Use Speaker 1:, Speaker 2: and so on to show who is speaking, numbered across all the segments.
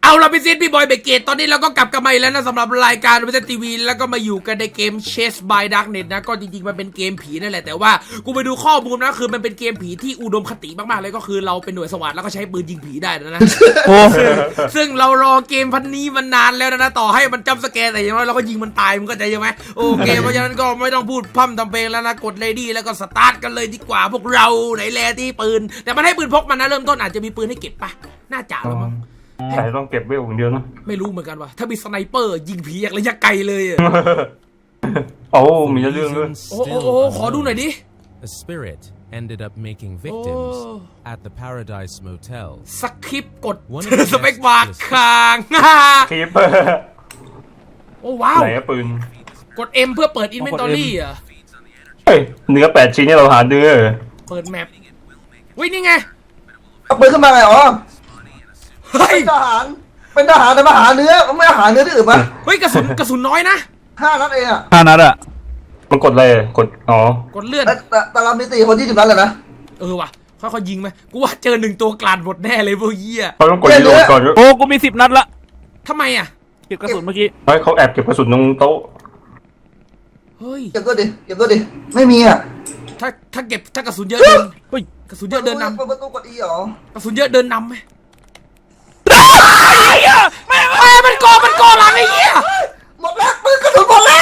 Speaker 1: เอาล่ะพี่ซีดพี่บอยเบเกตตอนนี้เราก็กลับกันมาอีกแล้วนะสำหรับรายการวิทยทีวีแล้วก็มาอยู่กันในเกม Chase by Darknet นะก็จริงๆมันเป็นเกมผีนั่นแหละแต่ว่ากูไปดูข้อมูลนะคือมันเป็นเกมผีที่อุดมคติมากๆเลยก็คือเราเป็นหน่วยสวัสดิ์แล้วก็ใช้ปืนยิงผีได้นะ
Speaker 2: โอ้
Speaker 1: ซึ่งเรารอเกมพันนี้มันนานแล้วนะต่อให้มันจำสแกนแต่อย่างน้อยเราก็ยิงมันตายมึงก็ใจใช่ไหมโอเคเพราะฉะนั้นก็ไม่ต้องพูดพร่ำทำเพลงแล้วนะกดเลดี้แล้วก็สตาร์ทกันเลยดีกว่าพวกเราไหนแลที่ปืนแต่มันให้ปืนพกมันนะเริ่มต้นอาจจะมีปืนให้เก็บปะน่าจะแล้วมั้ง
Speaker 3: แต่ต้องเก็บไว้อย่างเดียวนะ
Speaker 1: ไม่รู้เหมือนกันว่าถ้ามีสไนเปอร์ยิงผีอย่างระยะไกลเลยอะ
Speaker 3: โอ้มีเรื่องด้วย
Speaker 1: โอ้ขอดูหน่อยดิ
Speaker 4: A spirit ended up making victims at the Paradise Motel.
Speaker 1: สคริปต์กดสเปคบาร์ค้าง
Speaker 3: คลิป
Speaker 1: โอ้ว้าว
Speaker 3: ไหนปืน
Speaker 1: กด M เพื่อเปิด Inventory อ่ะ
Speaker 3: เฮ้ยเนื้อ8 ชิ้นนี่เราหาเนื้อ
Speaker 1: เปิดแมปวิ่งนี่ไง
Speaker 2: เอาปืนขึ้นมาไงอ๋อ
Speaker 1: เฮ้ย
Speaker 2: เป็นทหารแต่มาหาเนื้อมันไม่หาเนื้อที่อื่นปะ
Speaker 1: เฮ้ยกระสุนน้อยนะ
Speaker 2: 5 นัดเองอะ
Speaker 5: 5 นัดอะ
Speaker 3: มันกดอะไรกดอ๋อก
Speaker 1: ดเลื่อน
Speaker 2: แต่เรามี4 คน20 นัดเลยนะ
Speaker 1: ว่ะค่อยๆยิงไหมกูว่าเจอ1ตัวกลาดหมดแน่เลยพวกเหี้ย
Speaker 3: เขาต้องกดรีโหลดก่อน
Speaker 5: โอ้กูมี10 นัดละ
Speaker 1: ทำไมอ่ะ
Speaker 5: เก็บกระสุนเมื่อกี้
Speaker 3: เฮ้ยเขาแอบเก็บกระสุนตรงโต๊ะ
Speaker 1: เฮ้ย
Speaker 2: เก็บตัวดิไม่มีอะ
Speaker 1: ถ้ากระสุนเยอะเดิน
Speaker 5: เฮ้ย
Speaker 1: กระสุนเยอะเดินน
Speaker 2: เปิดประตูกด E เหรอก
Speaker 1: ระสุนเยอะเดินนำไหมแม่มันก่อหลังไอ้เหี้ย
Speaker 2: หมดแล้วปืนกระสุนหมดแล้ว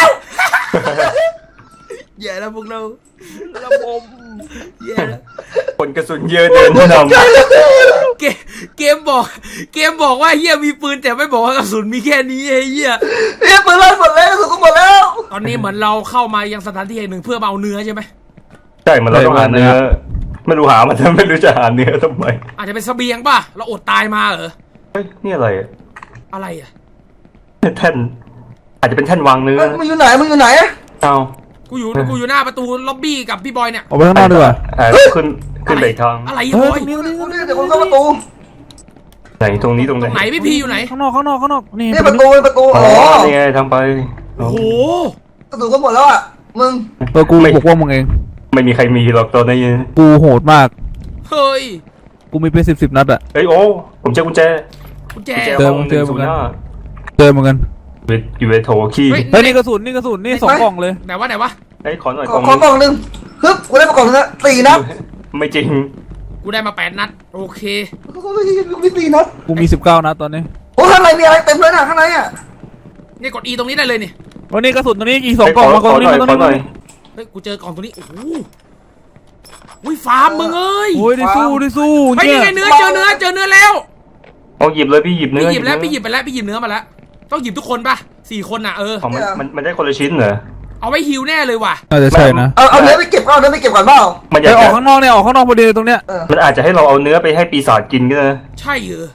Speaker 1: แย่แล้วพวกเรา
Speaker 5: ระบบ
Speaker 1: แย่แล้ว
Speaker 3: คนกระสุนเยอะเดินนำ
Speaker 1: เกมบอกว่าเฮียมีปืนแต่ไม่บอกว่ากระสุนมีแค่นี้ไอ้เฮีย
Speaker 2: เนี่ยปืนเลยหมดแล้วกระสุนก็หมดแล้ว
Speaker 1: ตอนนี้เหมือนเราเข้ามายังสถานที่แห่งหนึ่งเพื่อมาเอาเนื้อใช่ไหม
Speaker 3: ใช่มันเราต้องหาเนื้อไม่รู้หามันไม่รู้จะหาเนื้อทำไม
Speaker 1: อาจจะเป็นเสบียงป่ะเราอดตายมาเหรอ
Speaker 3: เฮ้ยนี่อะไร
Speaker 1: อะไรอ่ะ
Speaker 3: แท่นอาจจะเป็นแท่นวางเนื้อ
Speaker 2: มึงอยู่ไหน
Speaker 3: เอา
Speaker 1: กูอยู่หน้าประตูล็อบบี้กับพี่บอยเนี่ย
Speaker 5: ออกไปข้างนอกดีกว่า
Speaker 3: ขึ้นไปอีกทาง
Speaker 1: อะไร
Speaker 5: เฮ้
Speaker 1: บอย
Speaker 5: ตรงนี้
Speaker 2: เดี๋ยวคนเข้าประตู
Speaker 3: ไหนตรงนี้ตรง
Speaker 1: ตรงไหนพี่พีอยู่ไหน
Speaker 5: ข้างนอกนี่
Speaker 2: นี่ประตู
Speaker 3: อ๋
Speaker 2: อ๋อ
Speaker 3: อนี่ไงทางไป
Speaker 1: โอ้โห
Speaker 2: กระสุนก็หมดแล้วอะมึง
Speaker 5: กูปกป้องมึงเอง
Speaker 3: ไม่มีใครมีหรอกตอนนี้
Speaker 5: กูโหดมาก
Speaker 1: เฮ้ย
Speaker 5: กูมีเป็น10 นัดอะ
Speaker 3: เฮ้ยโอ้ผมเจอกุญแจ
Speaker 1: กุญแจ
Speaker 3: ห้อง105
Speaker 5: เจอเหมือนกัน
Speaker 3: อยู่ในโถขี้
Speaker 5: เฮ้ยนี่กระสุนนี่2 กล่องเลย
Speaker 1: ไหนวะ
Speaker 3: เฮ้ยขอหน่อย
Speaker 2: ขอกล่องนึงฮึบกูได้มากล่องนึงนะ4 นัด
Speaker 3: ไม่จริง
Speaker 1: กูได้มา8 นัดโอเค
Speaker 2: มี4 นัด
Speaker 5: กูมี19 นัดตอนนี้
Speaker 2: โอ้ข้างในมีอะไรเต็มเลยนะข้างในอะ
Speaker 1: นี่กด E ตรงนี้ได้เลยนี่
Speaker 5: วันนี้กระสุนตัวนี้อีก2 กล่องมา
Speaker 3: ข
Speaker 5: กล่
Speaker 3: อ
Speaker 5: อง
Speaker 3: ห
Speaker 5: นี้
Speaker 3: น่อย
Speaker 5: มา
Speaker 3: ข
Speaker 5: ต
Speaker 3: อ
Speaker 5: รง
Speaker 3: หน่อย
Speaker 5: นี้
Speaker 1: เฮ้ยกูเจอกล่องตัวนี้โอ้โหอุ้ยฟาร์มมึงเอ้ย
Speaker 5: โอ้ยได้สู้
Speaker 1: เฮ้ยนี่ไงเนื้อเจอเนื้อแล้ว
Speaker 3: เอาหยิบเลยพี่หยิบเนื้อ
Speaker 1: พี่หยิบไปแล้วพี่หยิบเนื้อมาแล้วต้องหยิบทุกคนป่ะ4 คนอ่ะ
Speaker 3: ของมันได้คนละชิ้นเหรอ
Speaker 1: เอาไว้ฮิวแน่เลยว่ะ
Speaker 5: น่าจะใช่นะ
Speaker 2: เอาเนื้อไปเก็บก่อนเนื้อไปเก็บก่อนเปล่า
Speaker 3: มันอ
Speaker 5: ไป
Speaker 3: ยาก
Speaker 5: ออก
Speaker 3: จะ
Speaker 5: ข้างนอกเนี่ยออกข้างนอกพอดีตรงเนี้ย
Speaker 3: มันอาจจะให้เราเอาเนื้อไปให้ปีศาจกินก็ได้
Speaker 1: ใช่เหรอ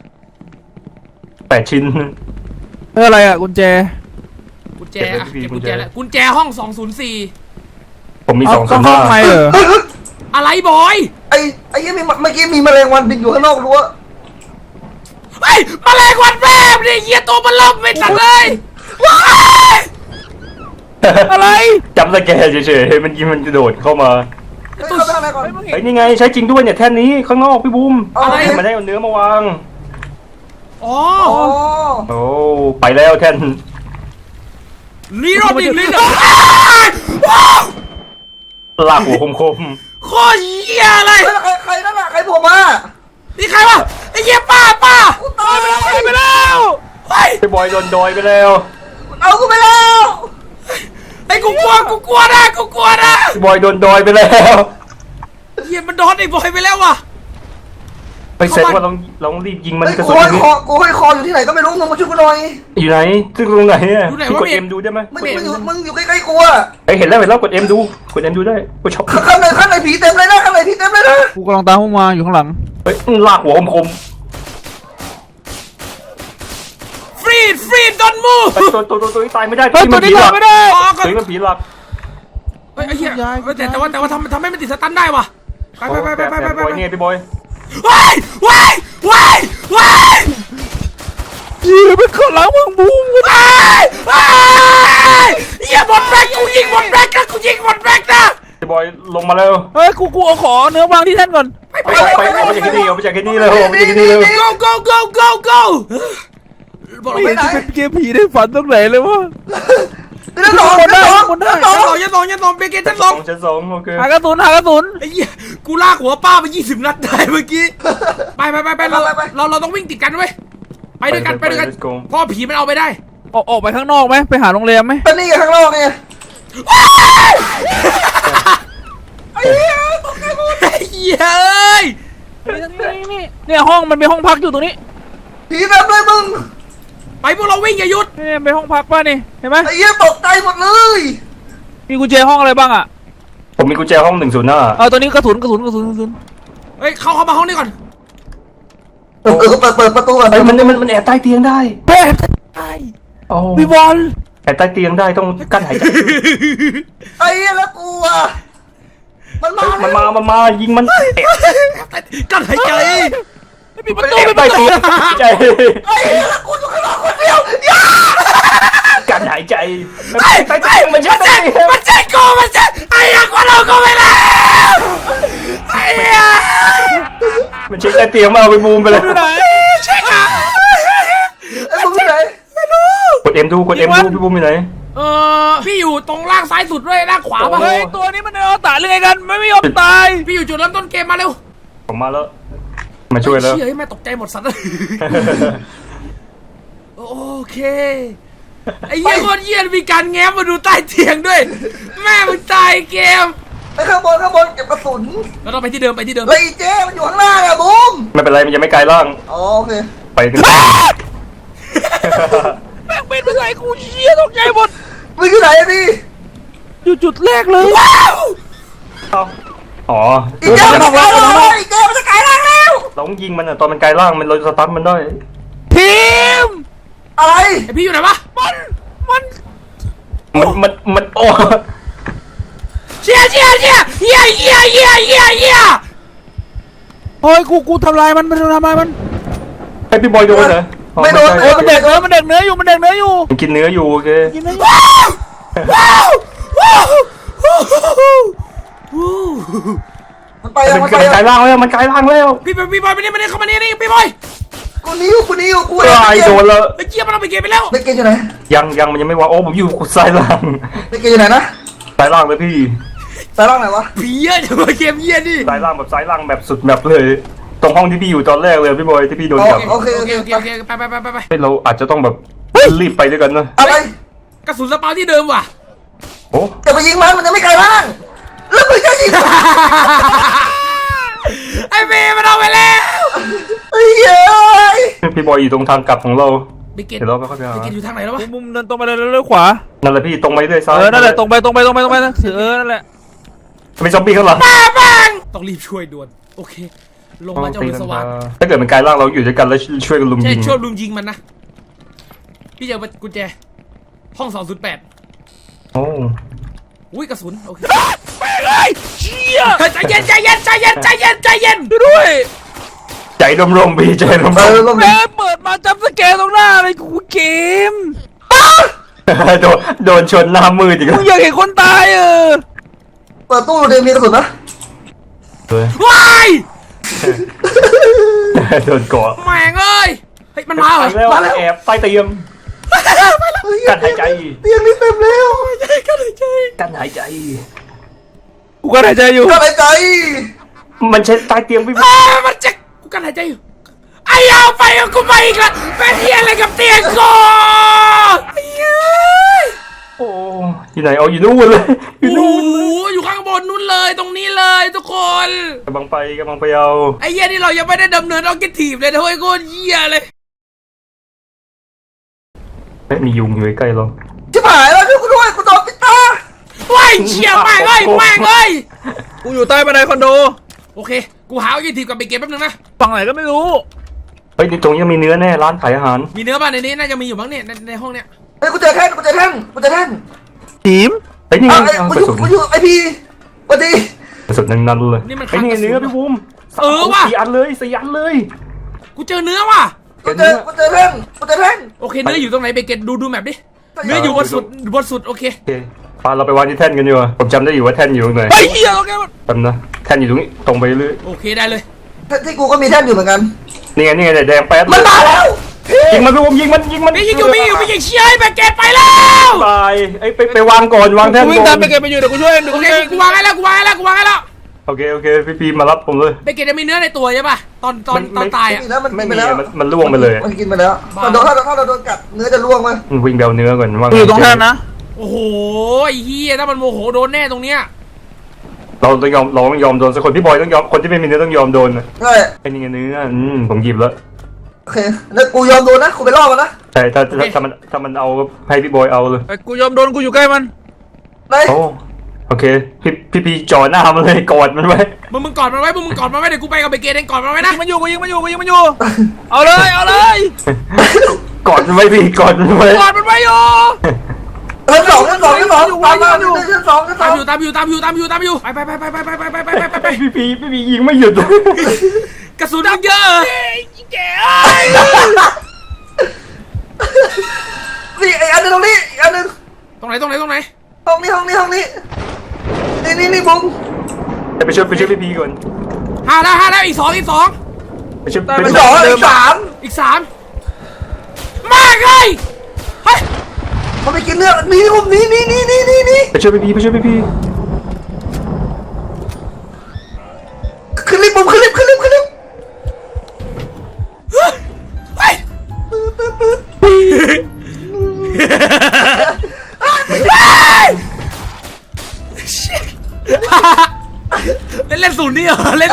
Speaker 3: 8 ชิ้น
Speaker 5: อะไรอะกุญแจ
Speaker 1: กุญแจอะเก็บกุญแจแล้วกุญแจห้อง204
Speaker 3: ผมมี
Speaker 5: เอา
Speaker 3: 2
Speaker 5: ข้างนอกไหมเหรอ
Speaker 1: อะไรบอย
Speaker 2: ไอ้ยังมีเมื่อกี้มีแมลงวันบินอยู่ข้างนอกรั้ว
Speaker 1: เฮ้ยแมลงวันแม่เนี่ยเหี้ยตัวมันล่มไม่ทันเลยว้าย
Speaker 5: อะไร
Speaker 3: จำสแกนเฉยๆมันยิงมันจะโดดเข้ามา
Speaker 2: เข้าไปข้างในก่อน
Speaker 3: เฮ้ยนี่ไงใช้จริงด้วยเนี่ยแท่นนี้ข้างนอกพี่บูม
Speaker 2: อะไร
Speaker 3: มันได้เอาเนื้อมาวาง
Speaker 1: อ๋อ
Speaker 2: อ๋อ
Speaker 3: โอ้ไปแล้วแท่น
Speaker 1: นี่รอบอีกนิดนึง
Speaker 3: ลากหัวคม
Speaker 1: โคตรเหี้ยเลย
Speaker 2: ใครนั่นอะใครโผล่มา
Speaker 1: นี่ใครวะไอ้เหี้ยป้า
Speaker 2: ตายไปแล้ว
Speaker 1: ไปแล้วเฮ้ย
Speaker 3: ๆพี่บอยโดนดอยไปแล้ว
Speaker 2: เอากูไปแล้ว
Speaker 1: ไอ้กูกลัวนะกูกลัวนะ
Speaker 3: พี่บอยโดนดอยไปแล้ว
Speaker 1: เหี้ยมันโดนไอ้บอยไปแล้วว่ะ
Speaker 3: ไปเซ็ตว่าลองรีบยิงมัน
Speaker 2: เฮ้ย
Speaker 3: กระ
Speaker 2: กู
Speaker 3: สุน
Speaker 2: ห้อยคออยู่ที่ไหนก็ไม่รู้มึงมาช่วยกูหน่อย
Speaker 3: อยู่ไหนซึ่งตรงไหนอ่ะพี่กดเอ็มดูได้ไหม
Speaker 2: มึงอยู่ใกล้ๆกูอะ
Speaker 3: เฮ้ยเห็นแล้วกดเอ็มดูได้กูชอบ
Speaker 2: ข้างในผีเต็มเลยนะข้างในผีเต็มเลยนะ
Speaker 5: กูกำลังตามพวกมาอยู่ข้างหลัง
Speaker 3: เฮ้ยลากหัวคม
Speaker 1: ฟรีดดอนมู
Speaker 3: ๆตัวนี้ตายไม่ได้
Speaker 5: เฮ้ยตัวนี้ตายไม่ได้
Speaker 1: อ๋อก็
Speaker 3: ตัวนี้มันผีหลัก
Speaker 1: เฮ้ยไอ้เหี้ยแต่ว่าทำให้มันติดสตันได้ว่ะไป
Speaker 3: บอยเนี่ยพี่บอย
Speaker 1: ว้าย
Speaker 5: ยืนเป็นข้างหลังมึงบูม
Speaker 1: เหี้ยหมดแบ็คกูยิงหมดแบ็คนะ
Speaker 3: พี่บอยลงมาแล้ว
Speaker 5: เฮ้ยกูเอาขอเนื้อวางที่แท่นก่อน
Speaker 3: ไปเอาไปจากที่นี่เลยเอาไปจากที่นี่เลย
Speaker 1: go บอกเรา
Speaker 5: ไม่
Speaker 1: ไป
Speaker 5: เห็น
Speaker 1: ไหน
Speaker 5: จะเป็นเกมผีได้ฝันตรงไหนเลยวะ
Speaker 2: นั่นสอง
Speaker 5: คนได้
Speaker 2: นั่นสอง
Speaker 5: คนได้
Speaker 1: ชั้นสองเบเกตชั้นสอง
Speaker 3: ชั้นสองโอเค
Speaker 5: หากระสุน
Speaker 1: ไอ้เหี้ยกูลากหัวป้าไป20 นัดได้เมื่อกี้ไปเราต้องวิ่งติดกันเว้ยไปด้วยกันพ่อผีมันเอาไปได้
Speaker 5: ออกไปข้างนอกไหมไปหาโรงแรมไหม
Speaker 2: เป็นนี่ข้างนอกไง
Speaker 1: ไอ้เหี้ยเอ้ย
Speaker 5: เนี่ยห้องมันมีห้องพักอยู่ตรงนี้
Speaker 2: ผีแบบเลยมึง
Speaker 1: ไปพวกเราวิ่งอย่าหยุด
Speaker 5: เนี่ยเป็นห้องพักป่ะนี่เห็นไหม
Speaker 2: ไอ้เหี้ยตกใจหมดเลย
Speaker 5: มีกุญแจห้องอะไรบ้างอ่ะ
Speaker 3: ผมมีกุญแจห้อง105
Speaker 5: ตัวนี้กระสุน
Speaker 1: เฮ้ยเข้ามาห้องนี้ก่อน
Speaker 2: เปิดประตูก่อน
Speaker 3: ไอ้มันแอบใต้เตียงได้
Speaker 5: เป๊ะ
Speaker 3: โอ้
Speaker 5: พี่บอล
Speaker 3: แอบใต้เตียงได้ต้องกั้นหายใจ
Speaker 2: ไอ้เหี้ยแล้วกูอ่ะมันมา
Speaker 3: มันมายิงมันแอบ
Speaker 1: กันหายใจ
Speaker 5: ปิดประตู
Speaker 3: แอบ
Speaker 5: ปิดป
Speaker 3: ใต้
Speaker 5: ระตู
Speaker 3: เตียงใจ
Speaker 2: ไอ้เหี้ยแล้วกูอยู่ข้างนอกคนเดียว
Speaker 3: กั้นหายใจใต้เตียงมันใช่ใต้เตียง
Speaker 1: มันใช่กูมันใช่ไอ้ยังว่าเราก็ไม่แล้วไอ้เหี้ย
Speaker 3: มันใช่ใต้เตียงมาเอาไปบูมไปเลย
Speaker 5: อยู่ไหน
Speaker 1: ใช่ค่ะ
Speaker 2: ไอ้มึงอยู่ไหน
Speaker 3: กดเอ็มดูพี่บูมอยู่ไหน
Speaker 1: พี่อยู่ตรงล่างซ้ายสุดด้วยล่างขวาป่ะ
Speaker 5: เฮ้ยตัวนี้มันเอาตาเรื่องไงกันไม่ยอมตาย
Speaker 1: พี่อยู่จุดเริ่มต้นเกมมาเร็ว
Speaker 3: ผมมาแล้วมาช่วยแล้ว
Speaker 1: เฮ้ยแม่ตกใจหมดสัตว์เลยโอเคไอ้เหี้ยโคตรเหี้ยมีการแง้มมาดูใต้เตียงด้วยแม่มึงตายเกม
Speaker 2: ไอ้ข้างบนเก็บกระสุน
Speaker 1: เราต้องไปที่เดิม
Speaker 2: แล้วไอ้เจ๊มันอยู่ข้างหน้าอะบูม
Speaker 3: ไม่เป็นไรมันยังไม่ไกลล่าง
Speaker 2: อ๋อโอเค
Speaker 3: ไปกัน
Speaker 5: แม่งเป็นอะไรกูเชี่ยตกใจหมด
Speaker 2: มึงอยู่ไหนอะพี่
Speaker 5: อยู่จุดแรกเลย
Speaker 3: อ๋อ
Speaker 2: อีเจ๊มันจะกลายร่างแล้วอีเจ๊มันจะกลายร่างแล้ว
Speaker 3: เราต้องยิงมันอ่ะตอนมันไกลล่างมันเราสตันมันได้
Speaker 5: ทีม
Speaker 2: อะไร
Speaker 1: ไอพี่อยู่ไหนวะ
Speaker 3: มันโอ้
Speaker 1: เชี่ยเหี้ย
Speaker 5: โอ้ยกูทำลายมันทำลายมัน
Speaker 3: ให้พี่บอยโดนเหรอ
Speaker 2: ไม่โดน
Speaker 5: โอ้ยมันเด็กมันเด็กเนื้ออยู่มันเด็กเนื้ออยู่
Speaker 3: มันกินเนื้ออยู่โอเค
Speaker 5: กินเนื้อ
Speaker 2: มันไป
Speaker 3: มันไกลล่างแล้วมันไกลล่างแล้ว
Speaker 1: พี่บอยมานี่เข้ามานี่พี่บอย
Speaker 2: กูนิ้วกู
Speaker 3: ไอ้โดนแล้ว
Speaker 1: ไอ้เจี๊ยบมันเอาไปเกมไปแล้ว
Speaker 2: เด็กเกย์อยู่ไหน
Speaker 3: ยังมันยังไม่วางโอ้ผมอยู่ซ้ายล่าง
Speaker 2: เด็กเกย์อยู่ไหนนะ
Speaker 3: ซ้ายล่างเลยพี่
Speaker 2: สายร่างไหนวะ
Speaker 1: ผีเยอะจังวะเกมเหี้ยนี่
Speaker 3: ซ้ายล่างแบบซ้ายล่างแบบสุดแบบเลย ตรงห้องที่พี่อยู่ตอนแรกเลยพี่บอยที่พี่โดนจับ
Speaker 2: โอเค
Speaker 1: ไป
Speaker 3: เราอาจจะต้องแบบรีบไปด้วยกันนะ
Speaker 2: อะไร
Speaker 1: กระสุนสปาที่เดิมว่ะ
Speaker 3: โอ้
Speaker 2: จะไปยิงมันจะไม่ไกลร่างแล้วมึงจะยิง
Speaker 1: ไอ้เมย์มันเอาไปแล้ว
Speaker 2: ไอ้เย้ย
Speaker 3: พี่บอยอยู่ตรงทางกลับของเรา
Speaker 1: บิเกต
Speaker 3: เดี๋ยวเราไปค่อยไปหา
Speaker 1: อยู่ทางไหนแล้ววะ
Speaker 5: มุมเดินตรงไปเลยขวา
Speaker 3: นั่นแหละพี่ตรงไปเรื่อยซ้าย
Speaker 5: นั่นแหละตรงไปนะนั่นแหละ
Speaker 3: มีซอมบี้ข้างหลัง
Speaker 1: ต้องรีบช่วยด่วนโอเคลงมาเจ้ามือสว่าง
Speaker 3: ถ้าเกิดมันกลายร่างเราอยู่ด้วยกันแล้วช่วยกันลุม
Speaker 1: ใช่
Speaker 3: ยิง
Speaker 1: ช่วยลุมยิงมันนะพี่เจอกุญแจห้อง208
Speaker 3: โอ้
Speaker 1: อุ้ยกระสุนโอเค
Speaker 5: ไปเลยเชี่ย
Speaker 1: ใจเย็น
Speaker 5: ด้วย
Speaker 3: ใจร่มๆพี่ใจร่ม
Speaker 2: ลง
Speaker 5: แม่เปิดมาจับสแกนตรงหน้าเลยกูเกม
Speaker 3: ๆโดนชนหน้ามืดอีก
Speaker 5: มึ
Speaker 3: แล้ว
Speaker 5: งอยากเห็นคนตาย
Speaker 2: เปิดตู้เดี๋ยวมีกระสุนนะ
Speaker 1: ว้าย
Speaker 3: โดนเกาะ
Speaker 1: แม่งเอ้ยเฮ้ยมันมาเหรอ
Speaker 3: แล้วแอบใต้เตียงกันหายใจ
Speaker 2: เตียงนี้เต็มแล้ว
Speaker 3: กันหายใจ
Speaker 5: กูก็หายใจอยู่
Speaker 2: ก็หายใจ
Speaker 3: มันใช้ใต้เตียงพี่
Speaker 1: มันจะกูกันหายใจอยู่ไอ้ยาวไปกับกูไปอีกแล้วเป็นเฮียอะไรกับเตียงกูไอ้เฮ้ย
Speaker 3: โอ้ที่ไหนเอาอยู่นู่นเลยอยู่
Speaker 1: โอ้
Speaker 3: นู่น
Speaker 1: โหอยู่ข้างบนนู้นเลยตรงนี้เลยทุกคน
Speaker 3: กำลังไปเอา
Speaker 1: ไอ้เหี้ยนี่เรายังไม่ได้ดำเนินออบเจกตีฟเลยนะเว้ยโคตรเหี้ยเลย
Speaker 3: ไม่มียุงอยู่ใกล้เรา
Speaker 2: ชิบหายแล้วช่วยกูด้วยกูโดนปิดตา
Speaker 1: ว้ายเชี่ยแม่งเอ้ย
Speaker 5: กูอยู่ใต้บันไดคอนโด
Speaker 1: โอเคกูหาออบเจกตีฟกับไปเก็บแป๊บนึงนะ
Speaker 5: ฝั่งไหนก็ไม่รู้
Speaker 3: เฮ้ยตรงนี้มีเนื้อแน่ร้านขายอาหาร
Speaker 1: มีเนื้อบ้านในนี้น่าจะมีอยู่บ้างเนี่ยในห้องเนี่ย
Speaker 2: เฮ้ยกูเจอแท่น
Speaker 5: ทีม
Speaker 3: เฮ้ยนี่ไง
Speaker 2: ไอ้กูอยู่ไอพีสวัสดี
Speaker 3: กระสุนนั่นเลยไอ้นี่เนื้อพี่บูม
Speaker 1: ว่ะ
Speaker 3: 4 อันเลย
Speaker 1: กูเจอเนื้อว่ะ
Speaker 2: กูเจอแท่น
Speaker 1: โอเคเนื้ออยู่ตรงไหนไปเก็บดูแมปดิเนื้ออยู่บนสุดโอเค
Speaker 3: โอเคปาเราไปวางที่แท่นกันดีกว่าผมจำได้อยู่ว่าแท่นอยู่ตรงไหน
Speaker 5: ไอ้เหี้ยโอเคมัน
Speaker 3: จำนะแท่นอยู่ตรงนี้ตรงไปเรื่อย
Speaker 1: โอเคได้เลย
Speaker 2: ที่กูก็มีแท่นอยู่เหมือนกัน
Speaker 3: นี่ไงแดงแป๊ด
Speaker 2: มันมาแล้ว
Speaker 3: ยิงมันพี่ผมยิงมัน
Speaker 1: ไม่ยิงอยู่ไม่ยิงเชี่ยไอ้แบกเกตไปแล้ว
Speaker 3: ตายไอ้ไปวางก่อนวางแท่น
Speaker 5: กูวิ่ง
Speaker 3: ก่
Speaker 5: ตา
Speaker 3: อ
Speaker 5: ม
Speaker 3: น
Speaker 5: ไปเก็บไปอยู่เดี๋ยวกูช่วยเดี๋ยว
Speaker 1: โอ
Speaker 5: กู
Speaker 1: เค
Speaker 5: ช่วย
Speaker 1: กูวางให้แล้ว
Speaker 3: โอเคพี่พีมารับผมเลย
Speaker 1: แบกเกตจะมีเนื้อในตัวใช่ป่ะตอนตายอ่ะ
Speaker 2: นี่แล้วมัน
Speaker 3: ไม่
Speaker 2: กิน
Speaker 3: มี
Speaker 2: ไปแล้ว
Speaker 3: มันล่วงไปเลย
Speaker 2: มันกินไปแล้วถ้าเราโดนกัดเนื้อจะร่วงมั้ย
Speaker 3: วิ่งเบลเนื้อก่อนว่า
Speaker 5: กูอยู่ตรงนั้นนะ
Speaker 1: โอ้โหไอ้เฮียถ้ามันโมโหโดนแน่ตรงเนี้ย
Speaker 3: เราต้องยอมโดนสักคนพี่บอยต้องยอมคนที่ไม่มีเนื้อต้องยอมโดน
Speaker 2: ใช่
Speaker 3: ไอ้นี่ไงเนื้อผมหยิบแล้ว
Speaker 2: โอเคแล้วกูยอมโดนนะกูไปล่อมันนะ
Speaker 3: ใช่ถ้ามันเอาให้พี่บอยเอาเลย
Speaker 5: ไอ้กูยอมโดนกูอยู่ใกล้มัน
Speaker 2: ไหน
Speaker 3: โอเคพี่พีจ่อหน้ามันเลยกอดมันไว้
Speaker 1: มึงกอดมันไว้เดี๋ยวกูไปกับแบกเกตเองกอดมันไว้นะ
Speaker 5: มันอยู่กูยิงมันอยู่เอาเลย
Speaker 3: กอดมันไว้พี่กอดมันไว้
Speaker 1: กอดมันไว้อยู่
Speaker 2: ชั้นสองตามมาชั้นสอง
Speaker 1: ตามอยู่ไป
Speaker 3: พี่ยิงไม่หยุดเลย
Speaker 1: กระสุนมันเยอะ
Speaker 2: นี่ไอ้อันนึงตรงนี้อันนึง
Speaker 1: ตรงไหน
Speaker 2: ห้องนี้นี่บุ้ง
Speaker 3: ไปช่วยพี่พีก่อน
Speaker 1: ห้าแล้วอีกสอง
Speaker 3: ไปช่วย
Speaker 2: เป็นสองสาม
Speaker 1: อีกสามมาเลยเฮ้ย
Speaker 2: มันไปกินเนื้อนี่บุ้งนี่
Speaker 3: ไปช่วยพี่พี
Speaker 2: ขึ้นลิฟต์บุ้งขึ้นลิฟต์
Speaker 1: เฮ้ยเล่นศูนย์นี่เหรอ
Speaker 2: อะไร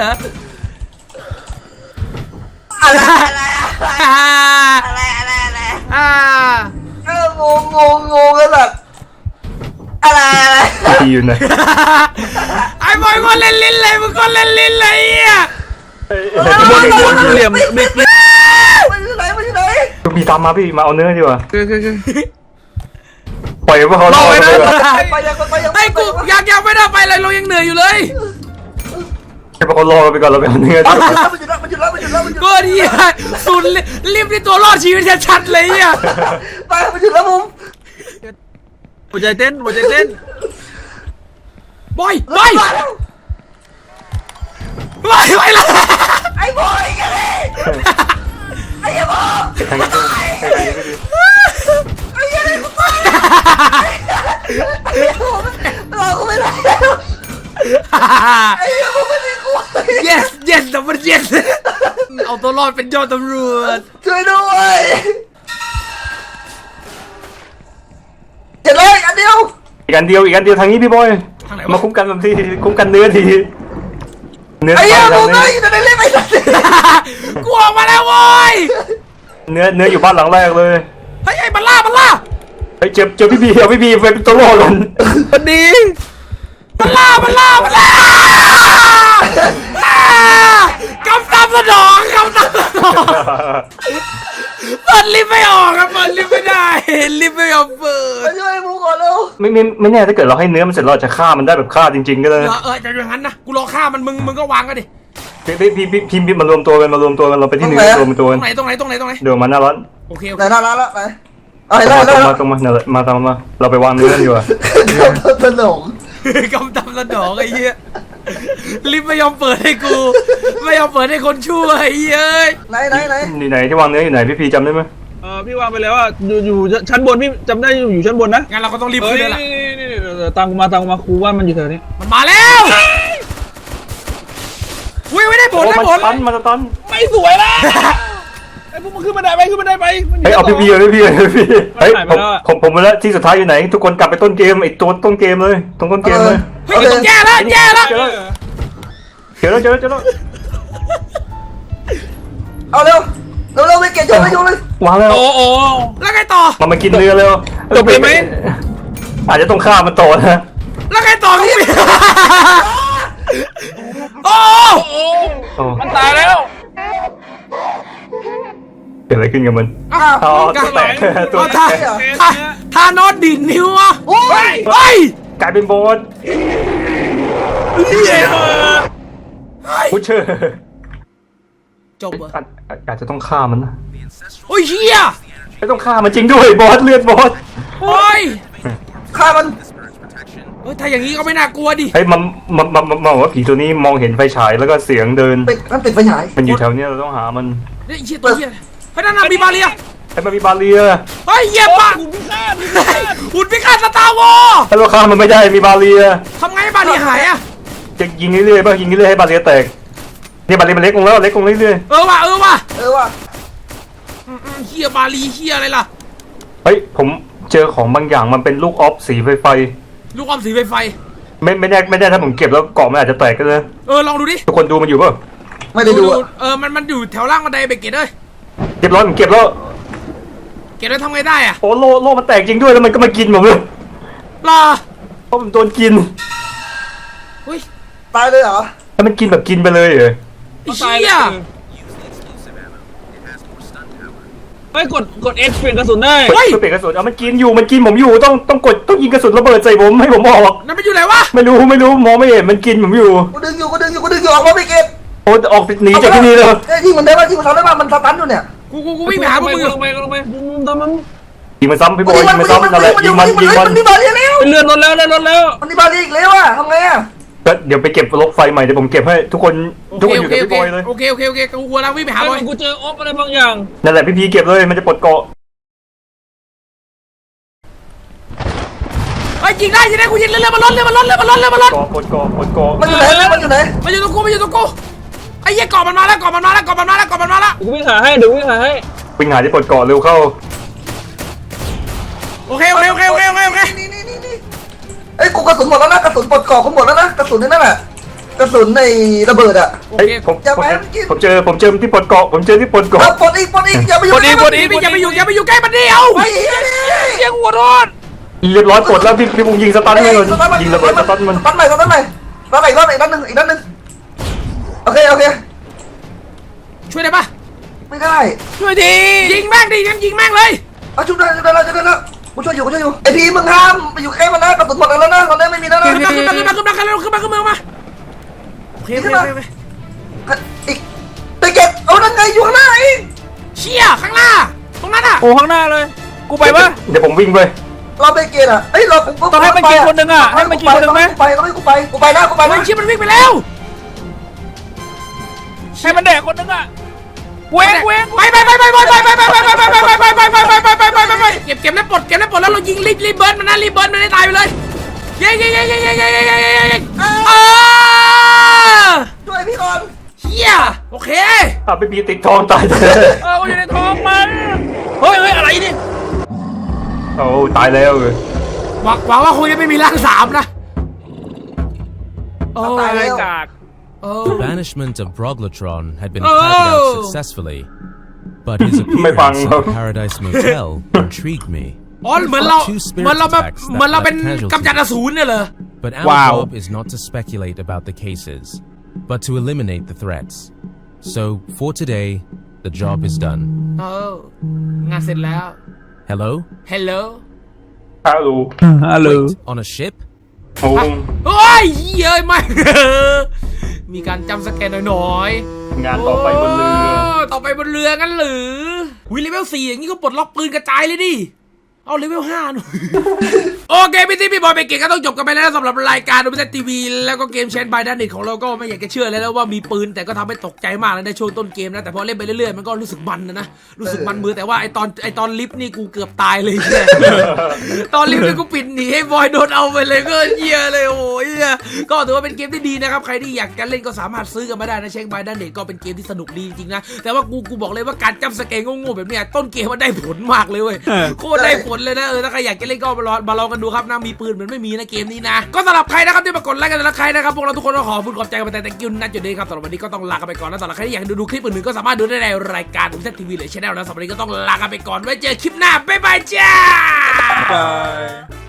Speaker 2: งงกันแบบอะไร
Speaker 3: พี่อยู่ไหน
Speaker 1: ไอ้บอยก็เล่นลิ้นเลยมึงก็เล่นลิ้นเลยอ่ะ
Speaker 5: เหลี่ยมไม่
Speaker 2: มันอยู่ไหน
Speaker 3: พี่ตามมาพี่มาเอาเนื้อดีกว่า
Speaker 5: คือ
Speaker 3: ปล่อยว่าเขาล่อไปเลย
Speaker 2: ไปยัง
Speaker 1: ไอ้กูยังไม่ได้ไปเลยเรายังเหนื่อยอยู่เลย
Speaker 3: ให้เขาล่อไปก่อนเราไปเอาเนื้อ
Speaker 2: มันหยุดแล้ว
Speaker 1: ก็ดีสุดรีบที่ตัวรอดชีวิตชัดๆเลยอ่ะ
Speaker 2: ไปมันหยุดแล้วบุ้ง
Speaker 5: หัวใจเต้น
Speaker 1: บอยละ
Speaker 2: ไอ้บอยกันเลยไอ้บอย
Speaker 3: ทางนี้
Speaker 2: เราก็ไม่ได้ไอ้บุ้งไม่ได้กลัว
Speaker 1: yes แต่มัน yes เอาตัวรอดเป็นยอดตำรวจ
Speaker 2: ช่วยด้วยเจ็ดเลยอันเดียว
Speaker 3: อีกอันเดียวทางนี้พี่บอยมาคุ้มกันแบบที่คุ้มกันเนื้อทีเนื้อ
Speaker 2: ไอ้เหี้ย
Speaker 3: ทา
Speaker 2: บุ้
Speaker 3: ง
Speaker 2: งไอ้
Speaker 3: นี้
Speaker 2: จะได้เล่นไปสักที
Speaker 1: กูออกมาแล้วโว้ย
Speaker 3: เนื้ออยู่บ้านหลังแรกเลย
Speaker 1: เฮ้ยไอ้มันล่า
Speaker 3: เฮ้ยเจอพี่พีเอาพี่พีเป็นตัวล่อกัน
Speaker 5: วันนี้
Speaker 1: มันล่ากำตามสนองเปิดลิฟต์ไม่ออกครับเปิดลิฟต์ไม่ได้ลิฟต์ไม่ยอมเปิด
Speaker 2: มาช่วยบุ้งก่อนเร็ว
Speaker 3: ไม่แน่ถ้าเกิดเราให้เนื้อมันเสร็จเราจะฆ่ามันได้แบบฆ่าจริงๆก็ได้
Speaker 1: แต่อย่างนั้นนะกูรอฆ่ามันมึงก็วางกันดิ
Speaker 3: พี่มารวมตัวกันเราไปที่เนื้อรวมตัว
Speaker 1: ตร
Speaker 3: กัน
Speaker 1: งไหน
Speaker 3: เดี๋ยวมาหน้าร้าน
Speaker 1: โอเค
Speaker 2: ไหนน่ารักละไหนเอาให้
Speaker 3: ต
Speaker 2: ได้
Speaker 3: รงมานั่นแหละมาตามมาเราไปวางเนื้อกันอยู่อะ
Speaker 2: สนอง
Speaker 1: กำตามสนองไอ้เหี้ยลิฟต์ไม่ยอมเปิดให้กูไม่ยอมเปิดให้คนชั่วไอ้เหี้ย
Speaker 2: ไหน
Speaker 3: อยู่ไหนที่วางเนื้ออยู่ไหนพี่พีจำได้ไหม
Speaker 5: พี่วางไปแล้วว่าอยู่ชั้นบนพี่จำได้อยู่ชั้นบนนะ
Speaker 1: งั้นเราก็ต้องรีบขึ้นเลยล่ะ
Speaker 5: นี่ตามกูมาครูว่ามันอยู่แถวนี้
Speaker 1: มันมาแล้วไม่ได้ผล
Speaker 3: มันตัน
Speaker 5: ไม่สวยละไอ้พวกมันขึ้นบันไดไป
Speaker 3: เฮ้ยเอาพี่พีเฮ้ยผมมาแล้วที่สุดท้ายอยู่ไหนทุกคนกลับไปต้นเกมไอ้ตัวต้นเกมเลยตรงต้นเกมเลย
Speaker 1: เฮ้ยแย่แล้ว
Speaker 3: เจอแล้ว
Speaker 2: เอาเร็วไปเก็บโยนเลยว
Speaker 3: างแล้ว
Speaker 5: โอ้
Speaker 1: แล้วไงต่อ
Speaker 3: มันมากินเนื้อแล้ว
Speaker 5: จบเลยไหม
Speaker 3: อาจจะต้องฆ่ามันต่อนะ
Speaker 1: แล้วไงต่อพี่โอ้
Speaker 5: มันตายแล้ว
Speaker 3: เกิดอะไรขึ้นกับมัน
Speaker 1: ตัวแตก
Speaker 3: ตัวแตก
Speaker 1: ทานอสดินนิ้วอ่ะเฮ้ย
Speaker 3: กลายเป็นโบสพุชเชอร์
Speaker 1: จบเหรอ
Speaker 3: อาจจะต้องฆ่ามันนะ
Speaker 1: โอ้ยเฮีย
Speaker 3: ไม่ต้องฆ่ามันจริงด้วยบอสเลือดบอส
Speaker 1: โอ้ย
Speaker 2: ฆ่ามัน
Speaker 1: ถ้าอย่างนี้ก็ไม่น่ากลัวดิ
Speaker 3: เฮ้ยมันว่าผีตัวนี้มองเห็นไฟฉายแล้วก็เสียงเดิน
Speaker 2: มันปิดไฟฉาย
Speaker 3: มันอยู่แถวนี้เราต้องหามัน
Speaker 1: เฮ้ยเฮียตัวเฮียเฮ้ยนั่นน่ะมีบาเรีย
Speaker 3: ไอ้มันมีบาเรีย
Speaker 1: เฮ้ยเหยียบปะหุ่นพิฆาตสตาร์วอร์
Speaker 3: ถ้าเราฆ่ามันไม่ได้มีบาเรีย
Speaker 1: ทำไงให้บาเรียหายอะ
Speaker 3: จะยิงเรื่อยๆป่ะยิงเรื่อยๆให้บาเรียแตกเนี่ยบาเรียมันเล็กลงแล้วเล็กลงเรื่อย
Speaker 1: เออว่ะ
Speaker 2: ว่ะ
Speaker 1: เฮียบาลีเฮียอะไรล่ะ
Speaker 3: ๆเฮ้ยผมเจอของบางอย่างมันเป็นลูกออฟสีไฟ
Speaker 1: ลูกอมสีไฟ
Speaker 3: ไม่แน่ถ้าผมเก็บแล้วเกาะมันอาจจะแตกก็เลย
Speaker 1: ลองดูดิ
Speaker 3: ทุกคนดูมันอยู่ป่ะ
Speaker 2: ไม่ได้ดูอะ
Speaker 1: มันอยู่แถวล่างบันไดเบเกตเลย
Speaker 3: เรียบร้อยผมเก็บแล้ว
Speaker 1: เก็บแล้วทำไงได้อะ
Speaker 3: โอ้โลมันแตกจริงด้วยแล้วมันก็มากินผมเลย
Speaker 1: ล่ะ
Speaker 3: เพราะผมโดนกิน
Speaker 1: เฮ้ย
Speaker 2: ตายเลยเหรอ
Speaker 3: แล้วมันกินแบบกินไปเลยเหรอ
Speaker 1: ไอ้เชี่ย
Speaker 6: เฮ้ยกด X เปลี่ยนกระสุนได้
Speaker 3: เฮ้ยเปลี่ยนกระสุนเอามันกินผมอยู่ต้องยิงกระสุนระเบิดใส่ผมให้ผมออก
Speaker 1: นั่นมันอยู่ไหนวะ
Speaker 3: ไม่รู้มองไม่เห็นมันกินผมอยู่
Speaker 2: กูดึงอยู่ออกมาไม่เก็บ
Speaker 3: โอ้ออกหนีจากที่นี่เลย
Speaker 2: ยิงมันได้ป่ะยิงมันทำได้ป่ะมันสตันอยู่เนี่ย
Speaker 1: กูวิ่งไปหาพวกมึงอยู่
Speaker 6: ลงไปตามมัน
Speaker 3: ยิงมันซ้ำพี่บอยยิงมันซ้ำนั่นแหละยิงมัน
Speaker 2: มันมีบาเรียแล้ว
Speaker 6: เป็นเลื่อนรถแล้ว
Speaker 2: มันมีบาเรียอีกแล้วอะทำไงอะ
Speaker 3: เดี๋ยวไปเก็บรถไฟใหม่เดี๋ยวผมเก็บให้ทุกคนอยู่กับพี่บอยเลย
Speaker 1: โอเคกูกำลังวิ่งไปหาบอย
Speaker 6: กูเจอออฟอะไรบางอย่าง
Speaker 3: นั่นแหละพี่พีเก็บเลยมันจะปลดเกาะ
Speaker 1: เฮ้ยยิงได้กูยิงเรื่อยๆมันล้น
Speaker 3: เกาะปลดเกาะ
Speaker 2: มันอยู่ไหนมันอยู่ไหน
Speaker 1: มันอยู่ตรงกูไอ้เหี้ยเกาะมันมาแล้ว
Speaker 6: กูวิ่งหาให้เดี๋ยววิ่งหาให้
Speaker 3: วิ่งหาที่ปลดเกาะเร็วเข้า
Speaker 1: โอเค
Speaker 2: นี่ไอ้กูกระสุนหมดแล้วนะกระสุนปลดกรอกกูหมดแล้วนะกระสุนนั่นแหละกระสุนในระเบิดอะ
Speaker 1: โอ
Speaker 3: เฮ้ย
Speaker 1: เค
Speaker 3: ผมเจอที่ปลดเกาะผมเจอที่ปลดเกาะ
Speaker 2: ปลดอีกอย่าไปอยู่
Speaker 1: อย่าไปอยู่ใกล้มันเดียว
Speaker 2: ไอ้
Speaker 1: เสียงหัวร้อน
Speaker 3: เรียบร้อยปลดแล้วพี่บุ้งยิงสตันเลยยิงระเบิดสตันมัน
Speaker 2: สตันใหม่อีกด้านหนึ่งโอเค
Speaker 1: ช่วยได้ปะ
Speaker 2: ไม่ได้
Speaker 1: ช่วยดียิงแม่งเลย
Speaker 2: เอาชุดได้แล้วกูช่วยอยู่ไอพีมึงห้ามไปอยู่ใกล้มันนะกระสุนหมดแล้วนะตอนนี้ไม่มีแล้วนะ
Speaker 1: ขึ้นมาโอเค
Speaker 2: อีกไปเก็บเอานั่นไงอยู่ข้างหน้าเอง
Speaker 1: เชี่ยข้างหน้าตรงนั้นอ่ะ
Speaker 5: โอ้ข้างหน้าเลย กูไปปะ
Speaker 3: เดี๋ยวผมวิ่งไป
Speaker 2: เราไปเก็บอ่ะเฮ้ยเรา
Speaker 5: ต้องให้มันกินคนหนึ่งอะให้มันกินคนหนึ่งไหม
Speaker 2: ต้องให้กูไปนะ
Speaker 1: เฮ้ยเชี่ยมันวิ่งไปแล้ว
Speaker 5: ให้มันแดกคนหนึ่งอะเว้ง
Speaker 1: ไปเก็บแล้วปลดแล้วเรายิงรีบเบิร์นมันนะรีบเบิร์นมันให้ตายไปเลยยิง
Speaker 2: ช่วยพี่ก่อน
Speaker 1: เฮียโอเค
Speaker 3: พี่พีติดทองตายเลย
Speaker 5: อยู่ในท้องมันเฮ้ยอะไรนี่
Speaker 3: โอ้ตายแล้ว
Speaker 1: หวังว่าคงจะไม่มีร่างสามนะโอ้
Speaker 2: ตายแล้ว
Speaker 5: กาก
Speaker 4: The banishment of Broglotron had been carried out successfully, but his appearance at the Paradise Motel intrigued me.
Speaker 1: อ๋อเหมือนเราเป็นกำจัดอสูรเนี่ยเหรอ
Speaker 4: But our job is not to speculate about the cases, but to eliminate the threats. So for today, the job is done.
Speaker 1: งานเสร็จแล้ว
Speaker 4: Hello?
Speaker 1: ฮัลโหล
Speaker 3: ฮัลโหล
Speaker 5: ฮัลโหล
Speaker 4: On a ship?
Speaker 3: โอ้
Speaker 1: โอ้ยเย้ยไม่ มีการจำสแกนหน่อย
Speaker 3: งานต่อไปบนเรือ
Speaker 1: ต่อไปบนเรือกันหรือวิเลเวล 4อย่างนี้ก็ปลดล็อกปืนกระจายเลยดิ เอาเลเวล 5 หน่อย โอเคพี่บอยเบเกตก็ต้องจบกันไปแล้วสำหรับรายการดูมิเตทีวีแล้วก็เกมเชนบายด้านเน็ตของเราก็ไม่อยากจะเชื่อเลยนะว่ามีปืนแต่ก็ทำให้ตกใจมากเลยในช่วงต้นเกมนะแต่พอเล่นไปเรื่อยๆมันก็รู้สึกมันนะรู้สึกมันมือแต่ว่าไอตอนลิฟต์นี่กูเกือบตายเลยเนี่ย ตอนลิฟต์นี่กูปิดหนีให้บอยโดนเอาไปเลยก็เหี้ยเลยโอ้ยก็ถือว่าเป็นเกมที่ดีนะครับใครที่อยากจะเล่นก็สามารถซื้อกันมาได้นะเชนบายด้านเน็ตก็เป็นเกมที่สนุกดีจริงๆนะแต่ว่ากูบอกเลยว่าการจำสแกนโง่ๆแบบเนี้ยต้นเกมมันได้ผลมากเลยเว้ยโคตรได้ผลเลยนะถ้าใครอยากจะเล่นก็มาลองกันดูครับนะมีปืนเหมือนไม่มีนะเกมนี้นะก็สำหรับใครนะครับที่มากดไลค์กันและใครนะครับพวกเราทุกคนก็ขอบคุณขอบใจกันไปแต่ thank you นะจุดนี้ครับสำหรับวันนี้ก็ต้องลากันไปก่อนนะสำหรับใครที่อยากดูคลิปอื่นๆก็สามารถดูได้ในรายการดูมิเตทีวีหรือช่องนะสำหรับวันนี้ก็ต้องลากันไปก่อนไว้เจอคลิปหน้าบ๊ายบายจ้า